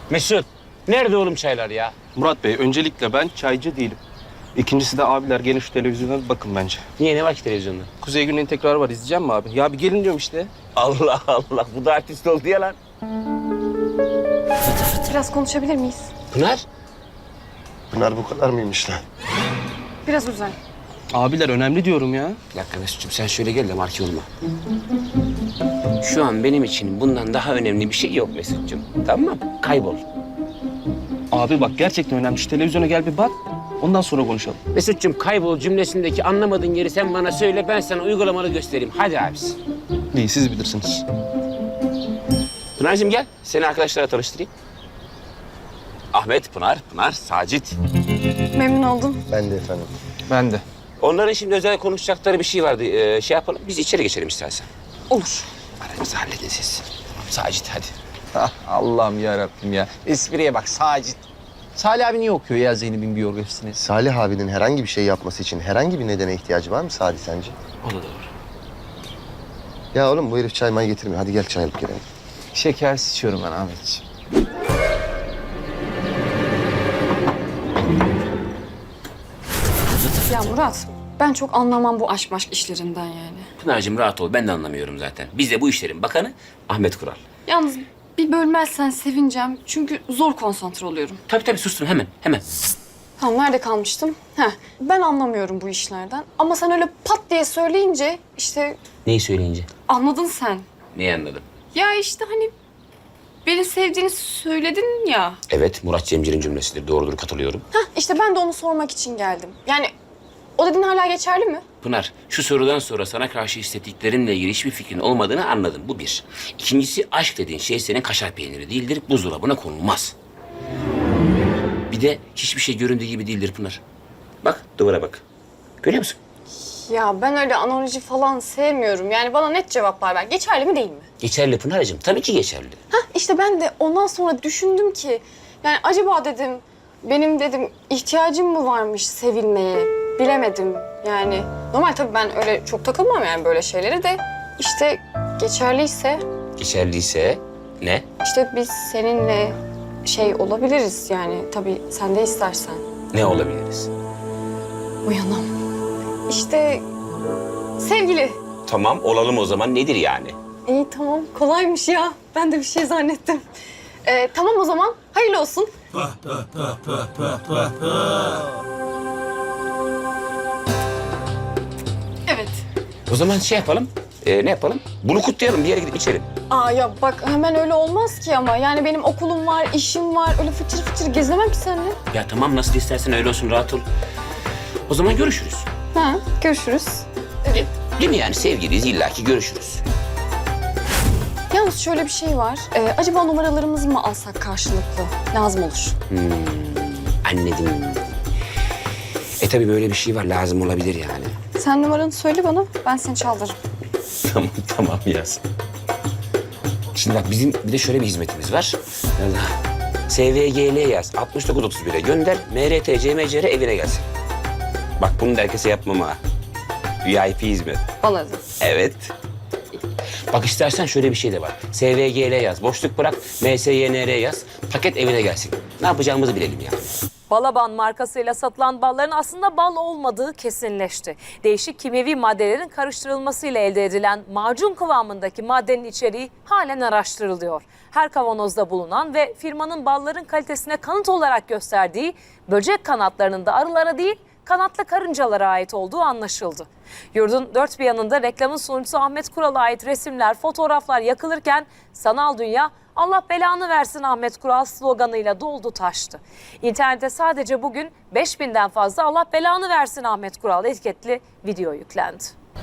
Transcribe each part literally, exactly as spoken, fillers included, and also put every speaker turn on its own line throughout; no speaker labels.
Mesut, nerede oğlum çaylar ya?
Murat Bey, öncelikle ben çaycı değilim. İkincisi de abiler gelin şu televizyona bir bakın bence.
Niye, ne var ki televizyonda?
Kuzey Güney'in tekrarı var, izleyeceğim mi abi? Ya bir gelin diyorum işte.
Allah Allah, bu da artist oldu ya lan.
Biraz konuşabilir miyiz?
Pınar?
Pınar bu kadar mıymış lan?
Biraz özel.
Abiler önemli diyorum ya.
Bir dakika Mesut'cum, sen şöyle gel de marki olma. Şu an benim için bundan daha önemli bir şey yok Mesut'cum. Tamam mı? Kaybol.
Abi bak gerçekten önemli. Şu televizyona gel bir bak. Ondan sonra konuşalım.
Mesut'cum, kaybol cümlesindeki anlamadığın yeri sen bana söyle, ben sana uygulamalı göstereyim. Hadi abisi.
İyi, siz bilirsiniz.
Pınar'cığım gel, seni arkadaşlara tanıştırayım. Ahmet, Pınar, Pınar, Sacit.
Memnun oldum.
Ben de efendim.
Ben de.
Onların şimdi özel konuşacakları bir şey vardı. Ee, şey yapalım, biz içeri geçelim istersen.
Olur.
Aranızı halledin siz. Sacit hadi.
Ah, Allah'ım yarabbim ya. Espriye bak Sacit. Salih abi niye okuyor ya Zeynep'in biyografisini?
Salih abinin herhangi bir şey yapması için herhangi bir nedene ihtiyacı var mı Salih sence?
O da doğru.
Ya oğlum bu herif çay may getirmiyor. Hadi gel çay alıp gelelim.
Şekersiz içiyorum ben Ahmetciğim.
Ya Murat, ben çok anlamam bu aşk maşk işlerinden yani.
Pınar'cığım rahat ol, ben de anlamıyorum zaten. Biz de bu işlerin bakanı Ahmet Kural.
Yalnız bir bölmezsen sevineceğim. Çünkü zor konsantre oluyorum.
Tabii tabii, sustum hemen, hemen.
Tamam, nerede kalmıştım? Heh, ben anlamıyorum bu işlerden. Ama sen öyle pat diye söyleyince işte
Neyi söyleyince?
anladın sen.
Neyi anladım?
Ya işte hani beni sevdiğini söyledin ya.
Evet, Murat Cemcir'in cümlesidir. Doğrudur, katılıyorum.
Heh, işte ben de onu sormak için geldim. Yani o dediğin hala geçerli mi?
Pınar, şu sorudan sonra sana karşı hissettiklerinle ilgili hiçbir fikrin olmadığını anladım. Bu bir. İkincisi, aşk dediğin şey senin kaşar peyniri değildir. Buzdolabına konulmaz. Bir de hiçbir şey göründüğü gibi değildir Pınar. Bak, duvara bak. Görüyor musun?
Ya ben öyle analoji falan sevmiyorum. Yani bana net cevaplar ver. Geçerli mi değil mi?
Geçerli Pınar'cığım. Tabii ki geçerli.
Hah, işte ben de ondan sonra düşündüm ki... Yani acaba dedim, benim dedim ihtiyacım mı varmış sevilmeye? Bilemedim yani. Normal tabii ben öyle çok takılmam yani böyle şeylere de... işte geçerliyse,
Geçerliyse ne?
işte biz seninle şey olabiliriz yani. Tabii sen de istersen.
Ne olabiliriz?
Uyanam. İşte sevgili.
Tamam, olalım o zaman. Nedir yani?
İyi tamam, kolaymış ya. Ben de bir şey zannettim. Ee, tamam o zaman, hayırlı olsun. Evet.
O zaman şey yapalım. Ee, ne yapalım? Bunu kutlayalım. Bir yere gidip içelim.
Aa ya bak hemen öyle olmaz ki ama. Yani benim okulum var, işim var. Öyle fıçır fıçır gezemem ki seninle.
Ya tamam, nasıl istersen öyle olsun. Rahat ol. O zaman görüşürüz.
Ha, görüşürüz.
Değil, değil mi yani? Sevgiliyiz, illaki görüşürüz.
Yalnız şöyle bir şey var. Ee, acaba numaralarımızı mı alsak karşılıklı? Lazım olur.
Hmm, anladım. E tabii böyle bir şey var. Lazım olabilir yani.
Sen numaranı söyle bana, ben seni çaldırırım.
Tamam, tamam yaz. Şimdi bak, bizim bir de şöyle bir hizmetimiz var. Allah. S V G L yaz. altmış dokuz otuz bire gönder. M R T C M C R evine gelsin. Bak bunu da herkese yapmam ha. V I P hizmet.
Bana da.
Evet. Bak istersen şöyle bir şey de var. S V G L yaz. Boşluk bırak. M S Y N R yaz. Paket evine gelsin. Ne yapacağımızı bilelim yani.
Balaban markasıyla satılan balların aslında bal olmadığı kesinleşti. Değişik kimyevi maddelerin karıştırılmasıyla elde edilen macun kıvamındaki maddenin içeriği halen araştırılıyor. Her kavanozda bulunan ve firmanın balların kalitesine kanıt olarak gösterdiği böcek kanatlarının da arılara değil, kanatlı karıncalara ait olduğu anlaşıldı. Yurdun dört bir yanında reklamın sunucusu Ahmet Kural'a ait resimler, fotoğraflar yakılırken sanal dünya "Allah belanı versin Ahmet Kural" sloganıyla doldu taştı. İnternete sadece bugün beş binden fazla "Allah belanı versin Ahmet Kural" etiketli video yüklendi.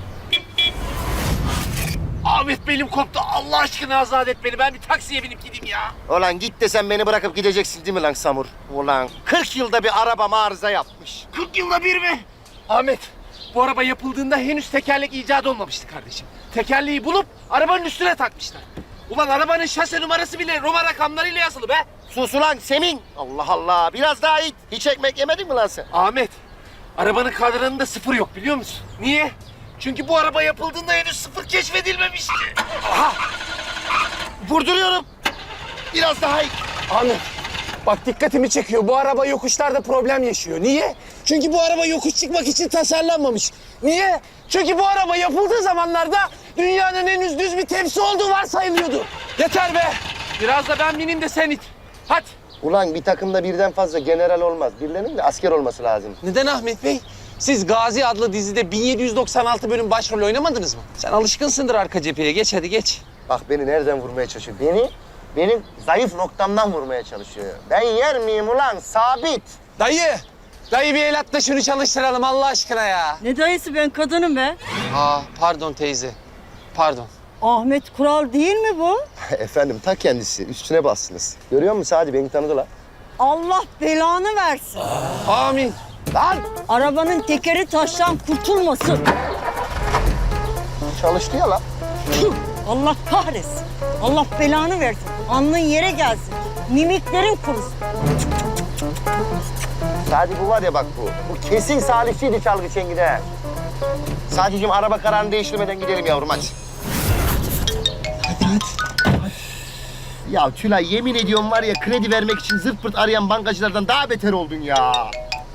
Ahmet belim koptu. Allah aşkına azat et beni. Ben bir taksiye binip gideyim ya.
Ulan git de sen beni bırakıp gideceksin değil mi lan Samur? Ulan kırk yılda bir arabam arıza yapmış.
kırk yılda bir mi? Ahmet, bu araba yapıldığında henüz tekerlek icat olmamıştı kardeşim. Tekerleği bulup arabanın üstüne takmışlar. Ulan arabanın şase numarası bile Roma rakamlarıyla yazılı be.
Sus ulan Semin. Allah Allah. Biraz daha it. Hiç ekmek yemedin mi lan sen?
Ahmet, arabanın kadranında sıfır yok biliyor musun? Niye? Çünkü bu araba yapıldığında henüz sıfır keşfedilmemişti.
Vurduruyorum. Biraz daha it.
Ahmet, Bak dikkatimi çekiyor. Bu araba yokuşlarda problem yaşıyor. Niye? Çünkü bu araba yokuş çıkmak için tasarlanmamış. Niye? Çünkü bu araba yapıldığı zamanlarda dünyanın henüz düz bir tepsi olduğu varsayılıyordu. Yeter be. Biraz da ben bineyim de sen it. Hadi.
Ulan bir takımda birden fazla general olmaz. Birilerinin de asker olması lazım.
Neden Ahmet Bey? Siz Gazi adlı dizide bin yedi yüz doksan altı bölüm başrol oynamadınız mı? Sen alışkınsındır arka cepheye. Geç hadi geç.
Bak beni nereden vurmaya çalışıyor? Beni benim zayıf noktamdan vurmaya çalışıyor. Ben yer miyim ulan? Sabit.
Dayı! Dayı bir el at da şunu çalıştıralım Allah aşkına ya.
Ne dayısı, ben kadınım be.
Aa pardon teyze. Pardon.
Ahmet Kural değil mi bu?
Efendim ta kendisi. Üstüne bassınız. Görüyor musun Sadi? Beni tanıdı lan.
Allah belanı versin.
Amin.
Lan!
Arabanın tekeri taştan kurtulmasın.
Çalıştı ya lan.
Tüh, Allah kahretsin. Allah belanı versin. Alnın yere gelsin. Mimiklerin kurusun.
Sadi bu var ya bak bu. Bu kesin Salihçiydi çalgı çengide. Sadiciğim araba kararını değiştirmeden gidelim yavrum hadi. Hadi hadi. Ya Tülay yemin ediyorum var ya kredi vermek için zırt pırt arayan bankacılardan daha beter oldun ya.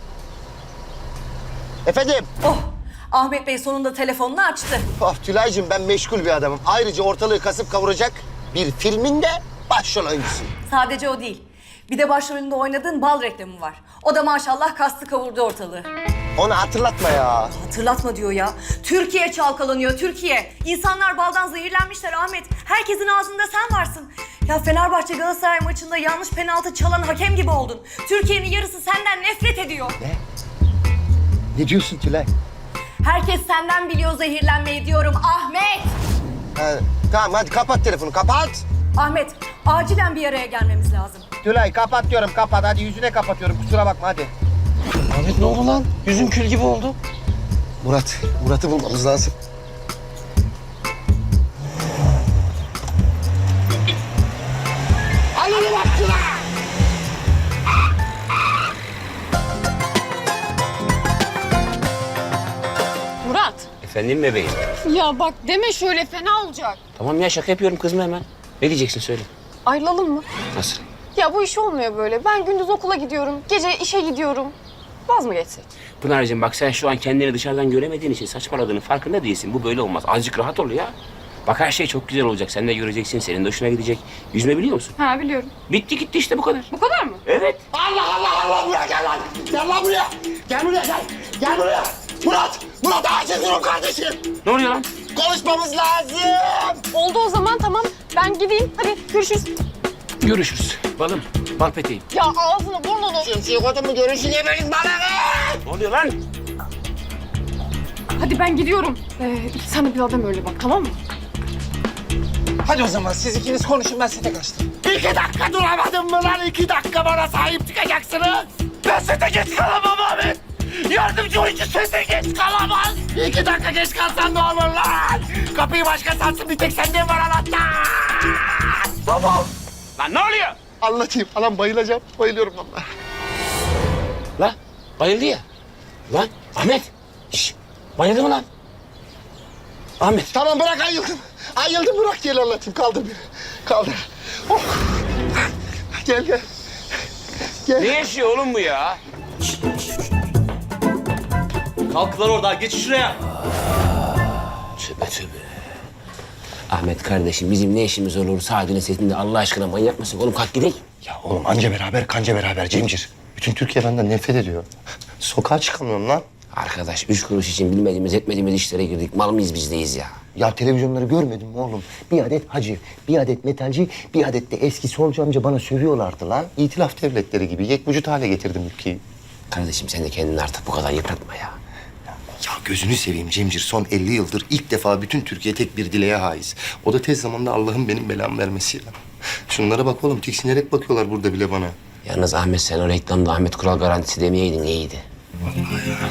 Efendim?
Oh, Ahmet Bey sonunda telefonunu açtı.
Oh Tülay'cığım ben meşgul bir adamım. Ayrıca ortalığı kasıp kavuracak bir filmin de başrol oyuncusuyum.
Sadece o değil. Bir de başrolünde oynadığın bal reklamı var. O da maşallah kastı kavurdu ortalığı.
Onu hatırlatma ya.
Hatırlatma diyor ya. Türkiye çalkalanıyor, Türkiye. İnsanlar baldan zehirlenmişler Ahmet. Herkesin ağzında sen varsın. Ya Fenerbahçe Galatasaray maçında yanlış penaltı çalan hakem gibi oldun. Türkiye'nin yarısı senden nefret ediyor.
Ne? Ne diyorsun Tülay?
Herkes senden biliyor zehirlenmeyi diyorum Ahmet.
Ha, tamam hadi kapat telefonu kapat.
Ahmet, acilen bir araya gelmemiz lazım.
Tülay kapat diyorum kapat hadi yüzüne kapatıyorum kusura bakma hadi.
Ahmet ne oldu lan? Yüzün kül gibi oldu.
Murat, Murat'ı bulmamız lazım. Alın bak Tülay!
Murat.
Efendim bebeğim.
Ya bak deme şöyle, fena olacak.
Tamam ya şaka yapıyorum kızma hemen. Ne diyeceksin söyle.
Ayrılalım mı?
Nasıl?
Ya bu iş olmuyor böyle. Ben gündüz okula gidiyorum, gece işe gidiyorum. Vaz mı geçsek?
Pınar'cığım bak sen şu an kendini dışarıdan göremediğin için saçmaladığının farkında değilsin. Bu böyle olmaz. Azıcık rahat ol ya. Bak her şey çok güzel olacak. Sen de göreceksin. Senin de hoşuna gidecek. Yüzme biliyor musun?
Ha biliyorum.
Bitti gitti işte bu kadar.
Bu kadar mı?
Evet.
Allah Allah Allah buraya gel lan! Gel lan buraya! Gel buraya gel! Gel buraya! Murat! Murat acil durum kardeşim!
Ne oluyor lan?
Konuşmamız lazım!
Oldu o zaman, tamam. Ben gideyim. Hadi görüşürüz.
Görüşürüz. Balım. Bal peteğim.
Ya ağzını burnunu.
Şemsiye kodum mu görüşün yemeğiniz bana!
Ne oluyor lan?
Hadi ben gidiyorum. Ee, sen de bir adam öyle bak, tamam mı?
Hadi o zaman siz ikiniz konuşun ben sete kaçtım.
İki dakika duramadım mı lan? İki dakika bana sahip çıkacaksınız!
Ben sete geç kalamam Ahmet. Yardımcı oyuncu sete geç kalamaz.
İki dakika geç kalsan ne olur lan? Kapıyı başka satsın bir tek sende var anahtar!
Tamam.
Lan ne oluyor?
Anlatayım. Anam bayılacağım. Bayılıyorum vallahi.
Lan bayıldı ya. Lan Ahmet. Şş, bayıldı mı lan? Ahmet.
Tamam bırak ayıldım. Ayıldım bırak gel anlatayım. Kaldır beni. Kaldır. Oh. Gel gel.
Ne yaşıyor oğlum bu ya?
Kalk lan orada geç şuraya.
Tövbe tövbe. Ahmet kardeşim bizim ne işimiz olur Sadi'nin setinde Allah aşkına manyak mısın? Oğlum kalk gidelim.
Ya oğlum anca beraber kanca beraber Cemcir. Bütün Türkiye benden nefret ediyor. Sokağa çıkamıyorum lan.
Arkadaş üç kuruş için bilmediğimiz etmediğimiz işlere girdik. Mal mıyız bizdeyiz ya?
Ya televizyonları görmedin mi oğlum? Bir adet hacı, bir adet metalci, bir adet de eski solcu amca bana sövüyorlardı lan. İtilaf devletleri gibi yekvücut hale getirdim ülkeyi.
Kardeşim sen de kendini artık bu kadar yıpratma ya.
Ya gözünü seveyim Cemcir. Son elli yıldır ilk defa bütün Türkiye tek bir dileğe haiz. O da tez zamanda Allah'ın benim belamı vermesi ya. Şunlara bak oğlum, tiksinerek bakıyorlar burada bile bana.
Yalnız Ahmet sen o reklamda Ahmet Kural garantisi demeyeydin iyiydi.
Vallahi ya.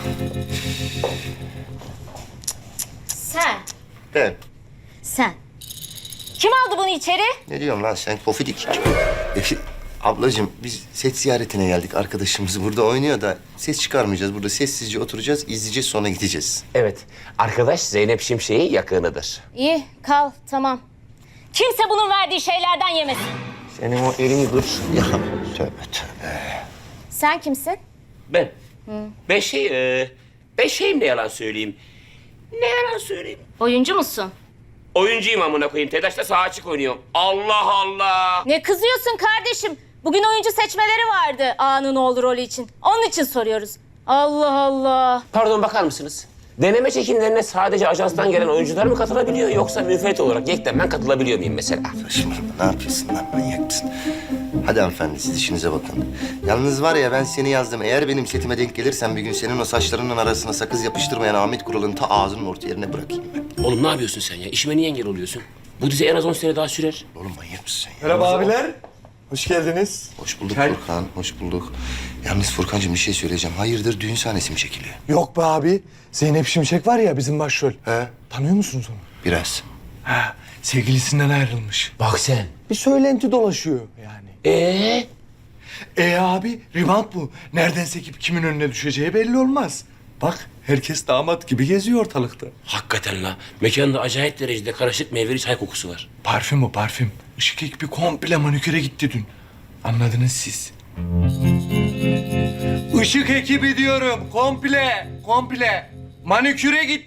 Sen,
Ben.
sen. Kim aldı bunu içeri?
Ne diyorsun lan sen pofidik? E, ablacığım biz set ziyaretine geldik. Arkadaşımız burada oynuyor da ses çıkarmayacağız. Burada sessizce oturacağız, izleyeceğiz sonra gideceğiz.
Evet. Arkadaş Zeynep Şimşek'in yakınıdır.
İyi, kal, tamam. Kimse bunun verdiği şeylerden yemesin.
Senin o elini dur. Ya tövbe tövbe.
Sen kimsin?
Ben. Ben şey, e, ben şeyim ne yalan söyleyeyim. Ne yalan söyleyeyim.
Oyuncu musun?
Oyuncuyum amına koyayım. TEDAŞ'ta sağ açık oynuyorum. Allah Allah.
Ne kızıyorsun kardeşim? Bugün oyuncu seçmeleri vardı A'nın oğlu rolü için. Onun için soruyoruz. Allah Allah.
Pardon bakar mısınız? Deneme çekimlerine sadece ajanstan gelen oyuncular mı katılabiliyor yoksa müfret olarak yekten ben katılabiliyor muyum mesela?
Saçmalama, ne yapıyorsun lan, manyak mısın? Hadi hanımefendi, siz işinize bakın. Yalnız var ya, ben seni yazdım. Eğer benim setime denk gelirsen bir gün senin o saçlarının arasına sakız yapıştırmayan Ahmet Kural'ın ta ağzının orta yerine bırakayım ben.
Oğlum ne yapıyorsun sen ya? İşime niye engel oluyorsun? Bu dizi en az on sene daha sürer.
Oğlum manyak mısın sen ya?
Merhaba abiler. Hoş geldiniz.
Hoş bulduk Furkan, hoş bulduk. Yalnız Furkancığım bir şey söyleyeceğim. Hayırdır, düğün sahnesi mi çekiliyor?
Yok be abi. Zeynep Şimşek var ya bizim başrol.
He?
Tanıyor musunuz onu?
Biraz.
Ha, sevgilisinden ayrılmış.
Bak sen.
Bir söylenti dolaşıyor yani.
Ee?
E abi, rebound bu. Nereden sekip kimin önüne düşeceği belli olmaz. Bak, herkes damat gibi geziyor ortalıkta.
Hakikaten la. Mekanda acayip derecede karışık meyveli çay kokusu var.
Parfüm o, parfüm. Işık ekibi komple maniküre gitti dün. Anladınız siz. Işık ekibi diyorum, komple, komple. Maniküre git.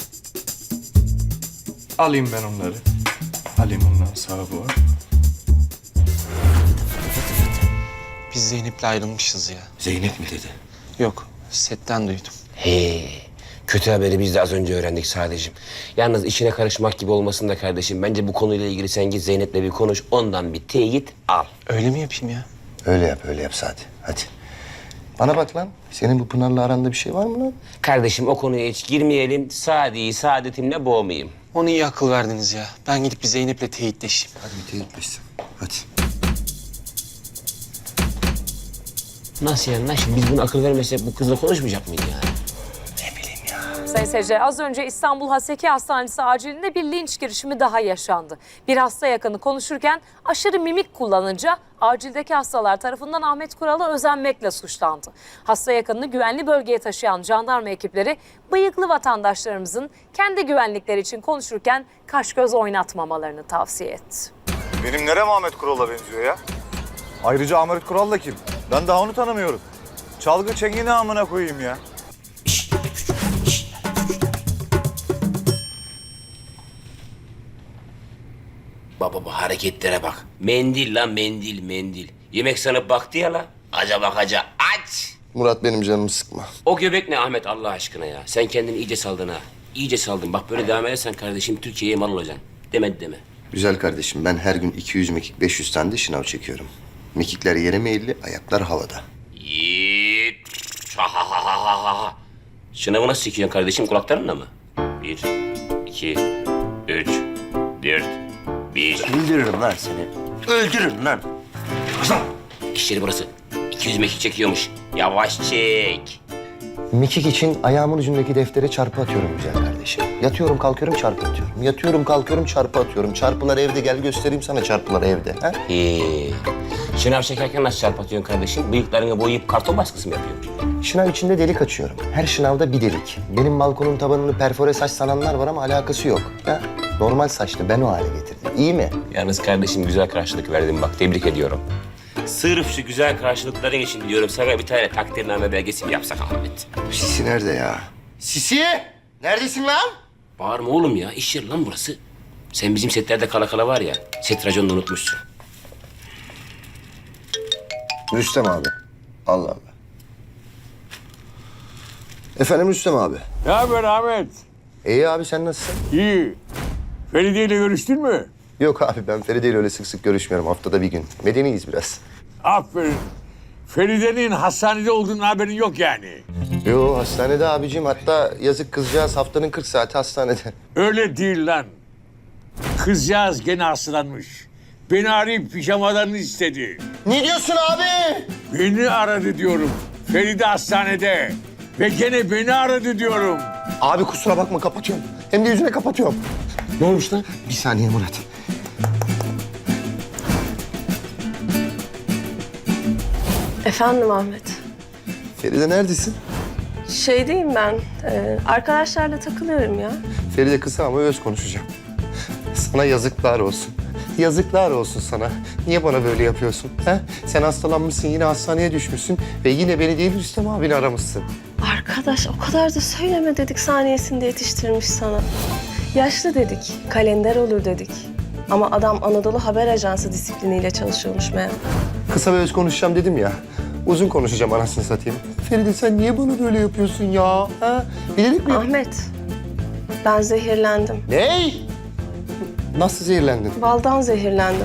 Alayım ben onları. Alayım ondan sağa bu.
Biz Zeynep'le ayrılmışız ya.
Zeynep mi dedi?
Yok, setten duydum.
He. Kötü haberi biz de az önce öğrendik sadece. Yalnız işine karışmak gibi olmasın da kardeşim. Bence bu konuyla ilgili sen git Zeynep'le bir konuş. Ondan bir teyit al.
Öyle mi yapayım ya?
Öyle yap, öyle yap Sadi. Hadi. Bana bak lan, senin bu Pınar'la aranda bir şey var mı lan?
Kardeşim o konuya hiç girmeyelim. Sadi'yi saadetimle boğmayayım.
Onu iyi akıl verdiniz ya. Ben gidip bir Zeynep'le teyitleşeyim.
Hadi bir teyitleşsin. Hadi.
Nasıl yani lan? Şimdi biz bunu akıl vermesek bu kızla konuşmayacak mıyız yani?
Sayın seyirciler, az önce İstanbul Haseki Hastanesi acilinde bir linç girişimi daha yaşandı. Bir hasta yakını konuşurken aşırı mimik kullanınca acildeki hastalar tarafından Ahmet Kural'a özenmekle suçlandı. Hasta yakınını güvenli bölgeye taşıyan jandarma ekipleri bıyıklı vatandaşlarımızın kendi güvenlikleri için konuşurken kaş göz oynatmamalarını tavsiye etti.
Benim nerem Ahmet Kural'a benziyor ya? Ayrıca Ahmet Kural da kim? Ben daha onu tanımıyorum. Çalgı çengini amına koyayım ya.
Baba bu hareketlere bak. Mendil lan mendil mendil. Yemek sanıp baktı ya la. Aca bakaca aç.
Murat benim canımı sıkma.
O göbek ne Ahmet Allah aşkına ya. Sen kendini iyice saldın ha. İyice saldın. Bak böyle devam edersen kardeşim Türkiye'ye mal olacaksın. Demedi deme.
Güzel kardeşim, ben her gün iki yüz mekik, beş yüz tane de şınav çekiyorum. Mekikler yere meyilli, ayaklar havada.
Yiğit. Ha ha ha ha ha ha. Şınavı nasıl çekiyorsun kardeşim kulaklarınla mı? Bir, iki, üç, dört, bir.
Öldürürüm lan seni. Öldürürüm lan.
İş yeri burası. iki yüz mekik çekiyormuş. Yavaş çek.
Mekik için ayağımın ucundaki deftere çarpı atıyorum güzel kardeşim. Yatıyorum kalkıyorum çarpı atıyorum. Yatıyorum kalkıyorum çarpı atıyorum. Çarpılar evde, gel göstereyim sana çarpılar evde. Ha?
Ee, şınav çekerken nasıl çarpatıyorsun kardeşim? Bıyıklarını boyayıp karton baskısı mı yapıyorsun?
Şınav içinde delik açıyorum. Her şınavda bir delik. Benim balkonun tabanını perfore saç sananlar var ama alakası yok. Ha? Normal saçlı, ben o hale getirdim. İyi mi?
Yalnız kardeşim güzel karşılık verdin bak tebrik ediyorum. Sırf şu güzel karşılıkların için diyorum sana bir tane takdirname belgesi mi yapsak Ahmet?
Sisi nerede ya? Sisi! Neredesin lan?
Bağırma oğlum ya iş yeri lan burası. Sen bizim setlerde kala kala var ya set raconunu unutmuşsun.
Rüstem abi. Allah Allah. Efendim Rüstem abi.
Ne haber Ahmet?
İyi abi, sen nasılsın?
İyi. Feride ile görüştün mü?
Yok abi, ben Feride ile öyle sık sık görüşmüyorum. Haftada bir gün. Medeniyiz biraz.
Aferin. Feride'nin hastanede olduğunun haberin yok yani.
Yo, hastanede abicim. Hatta yazık kızcağız haftanın kırk saati hastanede.
Öyle değil lan. Kızcağız gene hastalanmış. Beni arayıp pijamalarını istedi.
Ne diyorsun abi?
Beni aradı diyorum. Feride hastanede. Ve gene beni aradı diyorum.
Abi kusura bakma, kapatıyorum. Hem de yüzüne kapatıyorum.
Ne olmuş lan?
Bir saniye Murat.
Efendim Ahmet.
Feride neredesin?
Şeydeyim ben. Ee, arkadaşlarla takılıyorum ya.
Feride kısa ama öz konuşacağım. Sana yazıklar olsun. Yazıklar olsun sana. Niye bana böyle yapıyorsun? He? Sen hastalanmışsın, yine hastaneye düşmüşsün ve yine beni değil Rüstem abini aramışsın.
Arkadaş o kadar da söyleme dedik, saniyesinde yetiştirmiş sana. Yaşlı dedik, kalender olur dedik. Ama adam Anadolu Haber Ajansı disipliniyle çalışıyormuş meğer.
Kısa ve öz konuşacağım dedim ya. Uzun konuşacağım anasını satayım. Feride sen niye bana böyle yapıyorsun ya? Ha? Bilerek mi?
Ahmet, ben zehirlendim.
Ne? Nasıl zehirlendin?
Baldan zehirlendim.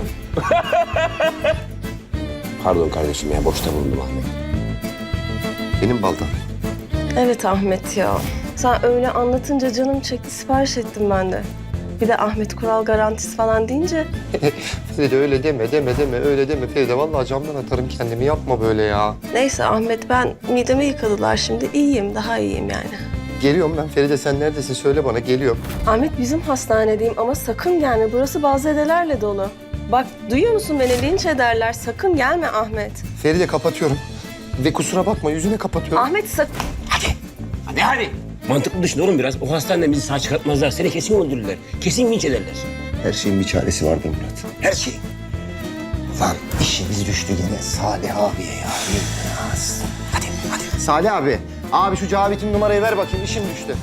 Pardon kardeşim ya, boşta bulundum Ahmet.
Benim baldan.
Evet Ahmet ya. Sen öyle anlatınca canım çekti, sipariş ettim ben de. Bir de Ahmet Kural garantisi falan deyince...
Feride öyle deme, deme, deme, öyle deme Feride. Vallahi camdan atarım kendimi, yapma böyle ya.
Neyse Ahmet, ben midemi yıkadılar şimdi. İyiyim, daha iyiyim yani.
Geliyorum ben. Feride sen neredesin? Söyle bana, geliyorum.
Ahmet bizim hastanedeyim ama sakın gelme. Burası bazedelerle dolu. Bak duyuyor musun beni? Linç ederler. Sakın gelme Ahmet.
Feride kapatıyorum. Ve kusura bakma, yüzüne kapatıyorum.
Ahmet sakın...
Hadi. Hadi hadi. Mantıklı düşün oğlum biraz. O hastaneden bizi sağ çıkartmazlar. Seni kesin öldürürler. Kesin linç ederler.
Her şeyin bir çaresi vardır Murat.
Her şey.
Lan işimiz düştü yine Salih abiye ya. Yılmaz. Hadi, hadi. Salih abi. Abi şu Cavit'in numarayı ver bakayım. İşim düştü.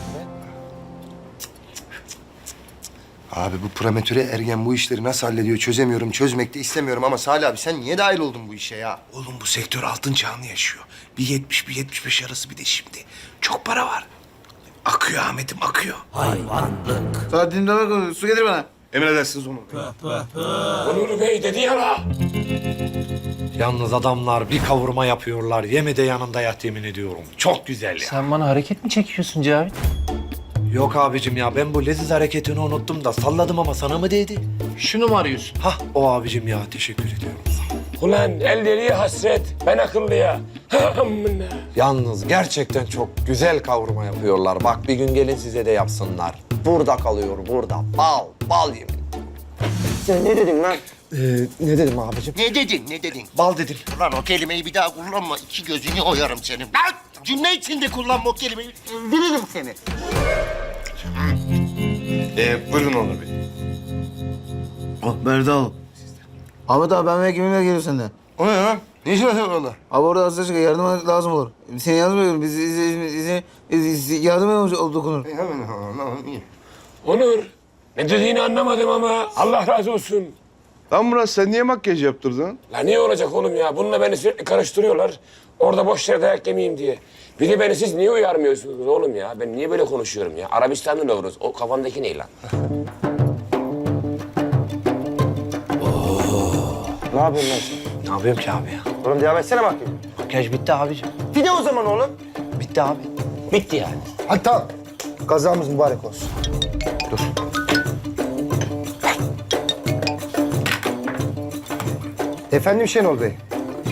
Abi bu prematüre ergen bu işleri nasıl hallediyor çözemiyorum. Çözmek de istemiyorum ama Salih abi sen niye dahil oldun bu işe ya?
Oğlum bu sektör altın çağını yaşıyor. Bir yetmiş, bir yetmiş beş arası bir de şimdi. Çok para var. Akıyor Ahmet'im, akıyor.
Saat dinle su getir bana.
Emredersiniz onu.
Onur Bey dedi ya la.
Yalnız adamlar bir kavurma yapıyorlar. Yeme de yanında yat yemin ediyorum. Çok güzel ya.
Sen bana hareket mi çekiyorsun Cavit?
Yok abicim ya ben bu leziz hareketini unuttum da salladım ama sana mı değdi?
Şunu mu arıyorsun?
Hah o abicim ya teşekkür ediyorum.
Ulan elleri hasret. Ben akıllıya.
Yalnız gerçekten çok güzel kavurma yapıyorlar. Bak bir gün gelin size de yapsınlar. Burada kalıyor, burada. Bal, bal yemin.
Sen ne dedin lan?
Ee, ne dedim abicim?
Ne dedin, ne dedin?
Bal dedim.
Ulan o kelimeyi bir daha kullanma. İki gözünü oyarım senin. Lan cümle içinde kullanma o kelimeyi. Öldürürüm seni.
Ee, buyurun Onur Bey.
Oh Berdal. Ahmet abi ben ve kiminle geliyor senden?
O ne lan? Ne işin var senin orada?
Abi orada hasta çıkıyor, yardım lazım olur. Seni yardım ediyorum, biz, biz, biz, biz yardım ediyoruz dokunur.
Hemen tamam iyi.
Onur. Ne dediğini anlamadım ama Allah razı olsun.
Lan Murat sen niye makyaj yaptırdın?
La niye olacak oğlum ya? Bununla beni sürekli karıştırıyorlar. Orada boş yere dayak yemeyeyim diye. Bir de beni siz niye uyarmıyorsunuz oğlum ya? Ben niye böyle konuşuyorum ya? Arabistan'da ne oluruz? O kafandaki ne lan?
Ne yapıyorsun lan sen? Ne yapıyorum ki abi ya?
Oğlum devam etsene bak.
Makyaj bitti abicim.
Bir de o zaman oğlum.
Bitti abi.
Bitti yani.
Hadi tamam. Kazamız mübarek olsun. Dur. Efendim Şenol Bey.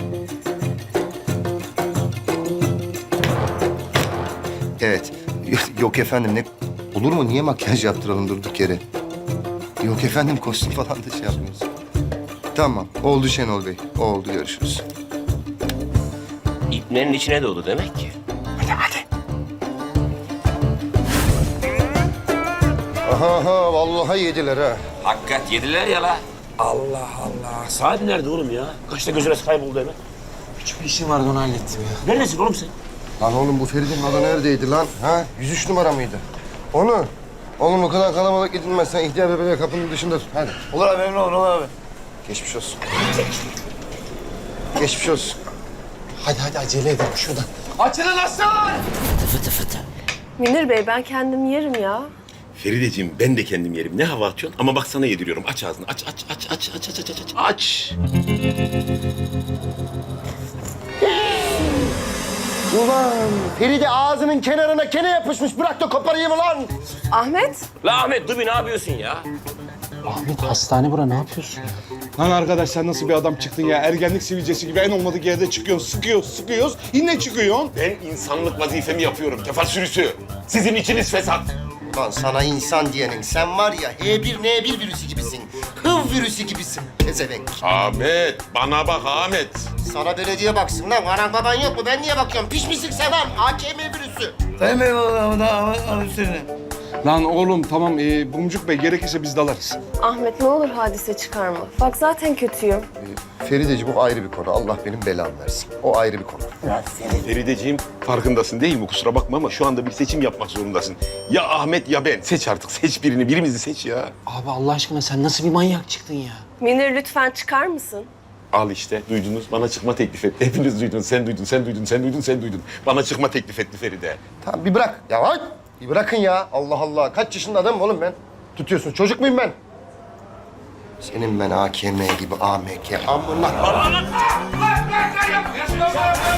Evet. Yok efendim ne... Olur mu? Niye makyaj yaptıralım durduk yere? Yok efendim kostüm falan da şey yapmıyoruz. Tamam. Oldu Şenol Bey. Oldu. Görüşürüz.
İpnenin içine doğdu demek ki. Hadi hadi.
Aha aha vallahi yediler ha.
Hakikat yediler ya la. Allah Allah. Saat nerede oğlum ya? Kaçta gözüne kayboldu hemen?
Küçük bir işim vardı onu hallettim ya.
Neredesin oğlum sen?
Lan oğlum bu Feride'nin adı neredeydi lan? Ha? yüz üç numara mıydı? Onu. Oğlum o kadar kalabalık gidilmez. Sen ihtiyar bebeği kapının dışında tut. Hadi.
Olur abi emin olur abi.
Geçmiş olsun. Geçmiş olsun.
Hadi hadi acele edelim şuradan.
Açılın aslan!
Münir Bey ben kendim yerim ya.
Ferideciğim ben de kendim yerim. Ne hava atıyorsun? Ama bak sana yediriyorum. Aç ağzını. Aç aç aç aç aç aç aç aç. Aç.
Ulan Feride ağzının kenarına kene yapışmış. Bırak da koparayım ulan.
Ahmet.
La Ahmet dur bir ne yapıyorsun ya?
Ahmet hastane bura ne yapıyorsun?
Lan arkadaş sen nasıl bir adam çıktın ya? Ergenlik sivilcesi gibi en olmadık yerde çıkıyorsun, sıkıyoruz, sıkıyoruz. Yine çıkıyorsun.
Ben insanlık vazifemi yapıyorum. Kefal sürüsü. Sizin içiniz fesat.
Lan sana insan diyenin sen var ya H bir N bir virüsü gibisin. Hıv virüsü gibisin. Pezevenk.
Ahmet, bana bak Ahmet.
Sana belediye baksın lan. Anan baban yok mu? Ben niye bakıyorum? Pişmişlik seven. A K M virüsü.
Sayın Bey Ahmet abi üstlerine.
Lan oğlum tamam ee, Bumcuk Bey gerekirse biz dalarız.
Ahmet ne olur hadise çıkarma. Bak zaten kötüyüm.
Ferideciğim o ayrı bir konu. Allah benim belamı versin. O ayrı bir konu.
Ferideciğim farkındasın değil mi? Kusura bakma ama şu anda bir seçim yapmak zorundasın. Ya Ahmet ya ben. Seç artık. Seç birini. Birimizi seç ya.
Abi Allah aşkına sen nasıl bir manyak çıktın ya?
Münir lütfen çıkar mısın?
Al işte duydunuz. Bana çıkma teklif etti. Hepiniz duydunuz. Sen duydun, sen duydun, sen duydun, sen duydun. Bana çıkma teklif etti Feride.
Tamam bir bırak. Ya bak. Bir bırakın ya. Allah Allah. Kaç yaşında adamım oğlum ben? Tutuyorsun. Çocuk muyum ben? Senin ben A K M gibi A M K. Amına.